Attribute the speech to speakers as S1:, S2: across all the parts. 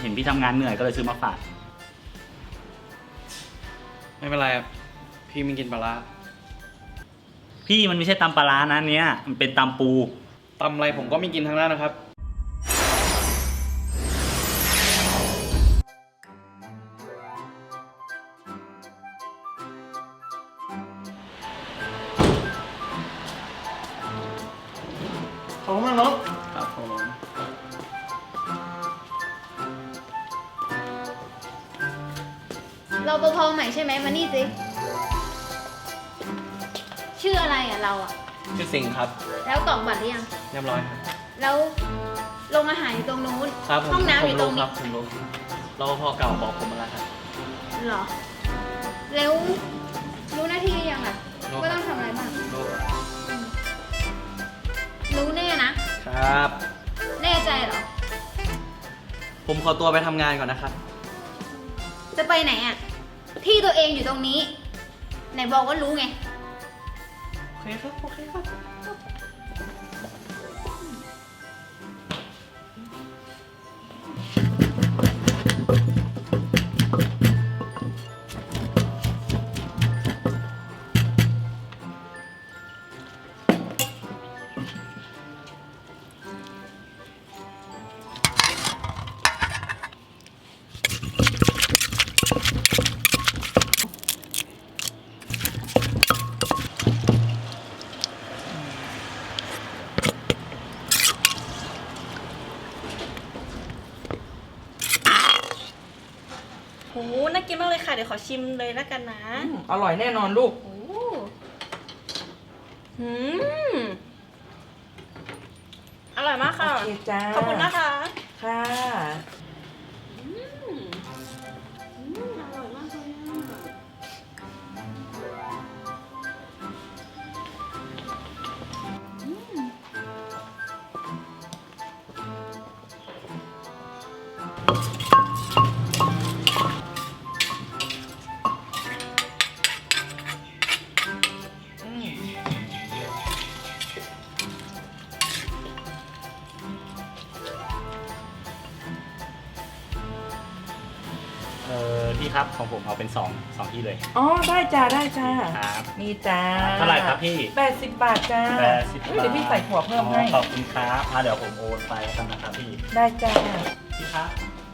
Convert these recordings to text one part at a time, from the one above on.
S1: เห็นพี่ทำงานเหนื่อยก็เลยซื้อมาฝาก
S2: ไม่เป็นไรครับพี่ไม่กินปลาร้า
S1: พี่มันไม่ใช่ตำปลาร้านะเนี้ยมันเป็นตำปู
S2: ตำอะไรผมก็ไม่กินทั้งนั้นนะครับ
S3: ขอบคุณมากเนาะ
S2: ครับผม
S4: เราปภใหม่ใช่ไหมมานี่สิชื่ออะไรอ่ะเราอ่ะ
S2: ชื่อสิงห์ครับ
S4: แล้วกรอกบัตรหรือยัง
S2: เรียบร้อยครับ
S4: แล้วโรงอาหารอยู่ตรงนู้น
S2: ครับผม
S4: ห้องน้ำอยู่ตรง
S2: ค
S4: นี้
S2: รับผมรู้รปภเก่าบอกผมมาแล้วครับ
S4: เหรอ แล้วรู้หน้าที่หรือยังอ่ะ
S2: รู้
S4: ว่าต้องทำอะไรบ้าง
S2: รู้
S4: รู้แน่นะ
S2: ครับ
S4: แน่ใจเหรอ
S2: ผมขอตัวไปทำงานก่อนนะครับ
S4: จะไปไหนอ่ะ ที่ตัวเองอยู่ตรงนี้ ไหนบอกว่ารู้ไง
S2: โอเคครับ โอเคครับ
S5: โห น่ากินมากเลยค่ะ เดี๋ยวขอชิมเลยแล้วกันนะ
S3: อร่อยแน่นอนลูก
S5: โอ้หืมอร่อยมากค่ะ
S3: โอเคจ้า
S5: ขอบคุณนะคะ
S3: ค่ะ
S5: อร่อยมากเลยอะ
S1: พี่ครับของผมเอาเป็น2ที่เลย
S3: อ๋อ ได้จ้า ได้จ้า
S1: ครับ
S3: นี่จ้า
S1: เท่าไหร่ครับพี่
S3: 80 บาทจ้า
S1: 80
S3: เฮ้ยเดี๋ยวพี่ใส่ถั่วเพิ่มให้
S1: ขอบคุณครับเดี๋ยวผมโอนไปแล้วกันนะครับพี่
S3: ได้จ้า
S1: พี่ครับ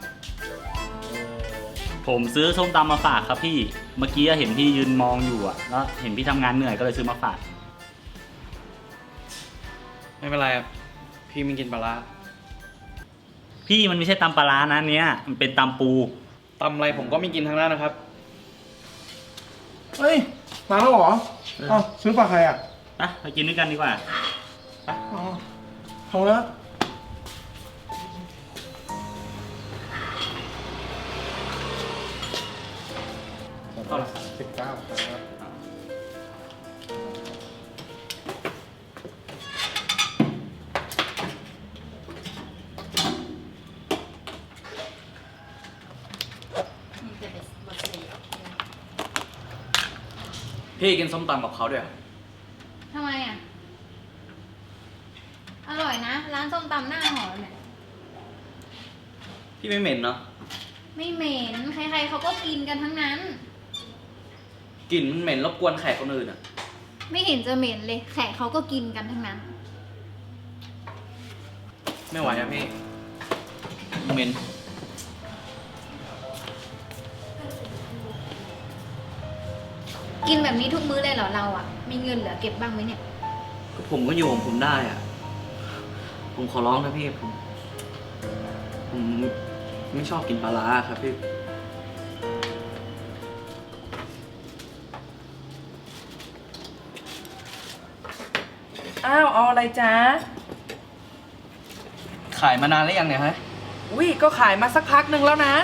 S1: ผมซื้อส้มตำมาฝากครับพี่เมื่อกี้เห็นพี่ยืนมองอยู่อ่ะแล้วเห็นพี่ทำงานเหนื่อยก็เลยซื้อมาฝาก
S2: ไม่เป็นไรครับพี่ไม่กินปลาร้า
S1: พี่มันไม่ใช่ตำปลาร้านะเนี้ยมันเป็นตำปู
S2: ตำอะไรผมก็ไม่กินทั้งนั้นนะครับ
S3: เฮ้ย มาแล้วเหรออ้าวซื้อฝากใครอ่ะ
S1: ไปกินด้วยกันดีกว่า
S3: อ๋อเขาแล้ว19ครับ
S2: พี่กินส้มตำกับเขาด้วย
S4: ทำไมอ่ะ อร่อยนะ ร้านส้มตำหน้าหอเนี่ย
S2: พี่ไม่เหม็นเนาะ
S4: ไม่เหม็น ใครๆเขาก็กินกันทั้งนั้น
S2: กลิ่นมันเหม็นรบกวนแขกคนอื่นอ่ะ
S4: ไม่เห็นจะเหม็นเลย แขกเขาก็กินกันทั้งนั้น
S2: ไม่ไหวอะพี่เหม็น
S4: กินแบบนี้ทุกมื้อเลยเหรอเราอ่ะ มีเงินเหลือเก็บบ้างไหมเนี่ย
S2: ผมก็อยู่ของผมได้อ่ะ ผมขอร้องนะพี่ผมไม่ชอบกินปลาร้าครับพี่
S3: อ้าว เอาอะไรจ้า
S2: ขายมานานแล้วยังเนี่ยฮะ
S3: อุ้ย ก็ขายมาสักพักหนึ่งแล้วนะ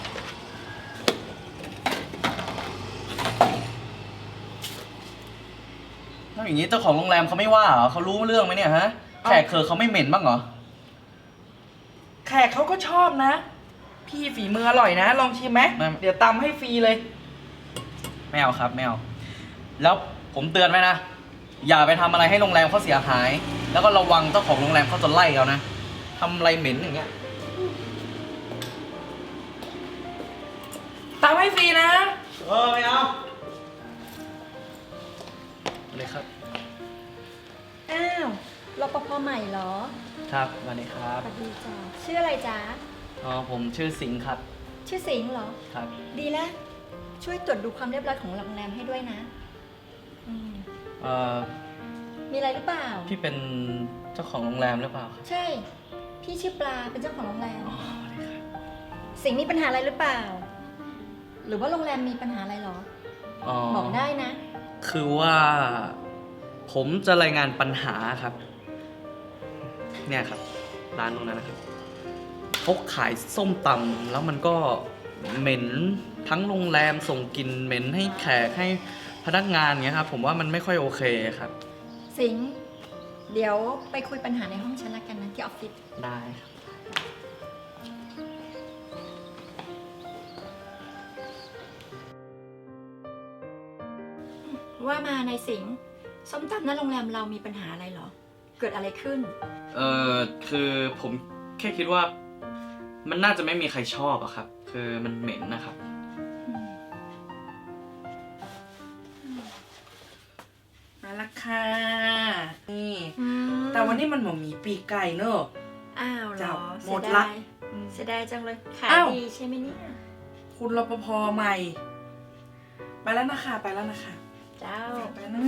S2: แล้วอย่างนี้เจ้าของโรงแรมเขาไม่ว่าเหรอเขารู้เรื่องไหมเนี่ยฮะ แขกเขาไม่เหม็นบ้างเหรอ
S3: แขกเขาก็ชอบนะ พี่ฝีมืออร่อยนะ ลองชิมไหม
S2: ไม่
S3: เดี๋ยวตำให้ฟรีเลย
S2: ไม่เอาครับไม่เอา แล้วผมเตือนไว้นะ อย่าไปทำอะไรให้โรงแรมเขาเสียหาย แล้วก็ระวังเจ้าของโรงแรมเขาจะไล่เรานะทำอะไรเหม็นอย่างเงี้ย
S3: ตามให้ฟรีนะ
S2: ไม่เอาเลยครับ
S6: อ้าวรปภใหม่เหรอ
S2: ครับสวัสดีครับ
S6: สวัสดีจ้าชื่ออะไรจ๊ะ
S2: ผมชื่อสิงห์ครับ
S6: ชื่อสิงห์เหรอ
S2: ครับ
S6: ดีแล้ว ช่วยตรวจดูความเรียบร้อยของโรงแรมให้ด้วยนะอืมมีอะไรหรือเปล่า
S2: พี่เป็นเจ้าของโรงแรมหรือเปล่าครับ
S6: ใช่ พี่ชื่อปลาเป็นเจ้าของโรงแรม สิงห์มีปัญหาอะไรหรือเปล่า หรือว่าโรงแรมมีปัญหาอะไรเหรอ บอกได้นะ
S2: คือว่าผมจะรายงานปัญหาครับ เนี่ยครับ ร้านตรงนั้นนะครับเขาขายส้มตำแล้วมันก็เหม็นทั้งโรงแรมส่งกลิ่นเหม็นให้แขกให้พนักงานเงี้ยครับ ผมว่ามันไม่ค่อยโอเคครับ
S6: สิงห์เดี๋ยวไปคุยปัญหาในห้องฉันละกันนะที่ออฟฟิศ
S2: ได้ครับ
S6: ว่ามาในสิงห์ส้มตำหน้าโรงแรมเรามีปัญหาอะไรเหรอ เกิดอะไรขึ้น
S2: คือผมแค่คิดว่ามันน่าจะไม่มีใครชอบอะครับ คือมันเหม็นนะครับ
S3: มาละค่ะ นี่ แต่วันนี้มันหมมีปีกไก่เนอะ
S6: อ้าวเหร
S3: จั
S6: อบ
S3: หมดละ
S6: เสียดายจังเลย ขาย
S3: อ้าว
S6: ดีใช่ไหมเนี่ย
S3: คุณรปภใหม่ ไปแล้วนะคะ ไปแล้วนะคะ
S6: เจ้า
S3: ไปนะ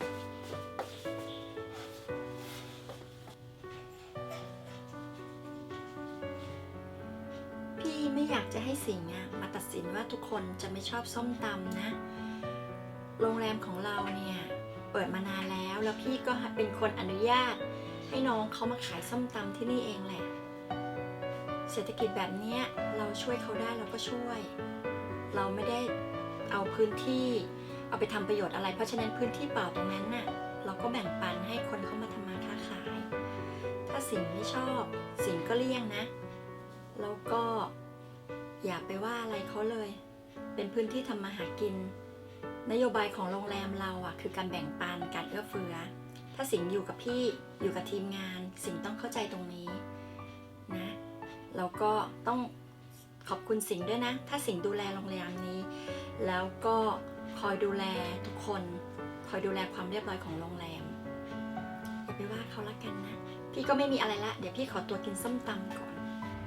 S6: พี่ไม่อยากจะให้สิงห์มาตัดสินว่าทุกคนจะไม่ชอบส้มตำนะ โรงแรมของเราเนี่ยเปิดมานานแล้วพี่ก็เป็นคนอนุญาต ให้น้องเขามาขายส้มตำที่นี่เองแหละ เศรษฐกิจแบบเนี้ยเราช่วยเขาได้เราก็ช่วย เราไม่ได้เอาพื้นที่เอาไปทำประโยชน์อะไร เพราะฉะนั้นพื้นที่เปล่าตรงนั้นน่ะเราก็แบ่งปันให้คนเข้ามาทำมาค้าขาย ถ้าสิงห์ไม่ชอบสิงห์ก็เลี่ยงนะ แล้วก็อย่าไปว่าอะไรเขาเลย เป็นพื้นที่ทำมาหากิน นโยบายของโรงแรมเราอ่ะคือการแบ่งปันการเอื้อเฟื้อ ถ้าสิงห์อยู่กับพี่อยู่กับทีมงาน สิงห์ต้องเข้าใจตรงนี้นะแล้วก็ต้องขอบคุณสิงห์ด้วยนะ ถ้าสิงห์ดูแลโรงแรมนี้ แล้วก็คอยดูแลทุกคนคอยดูแลความเรียบร้อยของโรงแรมอย่าไปว่าเขาละกันนะ พี่ก็ไม่มีอะไรละเดี๋ยวพี่ขอตัวกินส้มตำก่อน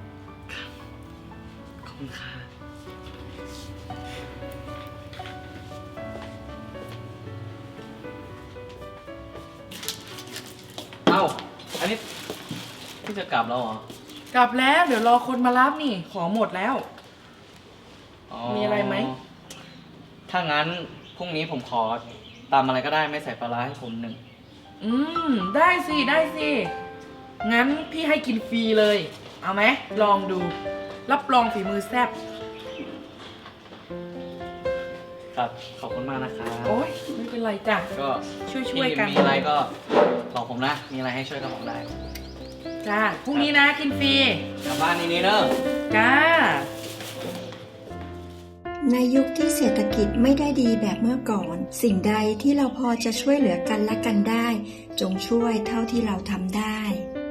S2: ขอบคุณค่ะเอ้า อันนี้พี่จะกลับแล้วเหรอ
S3: กลับแล้ว เดี๋ยวรอคนมารับนี่ ของหมดแล้ว มีอะไรไหม
S2: ถ้างั้นพรุ่งนี้ผมขอตำอะไรก็ได้ไม่ใส่ปลาร้าให้ผมหนึ่ง
S3: ได้สิ ได้สิ งั้นพี่ให้กินฟรีเลย เอาไหม ลองดู รับรองฝีมือแซ่บ
S2: ครับ ขอบคุณมากนะครับ
S3: โอ๊ย ไม่เป็นไรจ้ะ
S2: ก็
S3: ช่วยๆกัน
S2: มีอะไรก็บอกผมนะ มีอะไรให้ช่วยก็บอกได้
S3: จ้า พรุ่งนี้นะกินฟรี
S2: กลับบ้านนี้เนอะ
S3: จ้า
S7: ในยุคที่เศรษฐกิจไม่ได้ดีแบบเมื่อก่อน สิ่งใดที่เราพอจะช่วยเหลือกันและกันได้ จงช่วยเท่าที่เราทำได้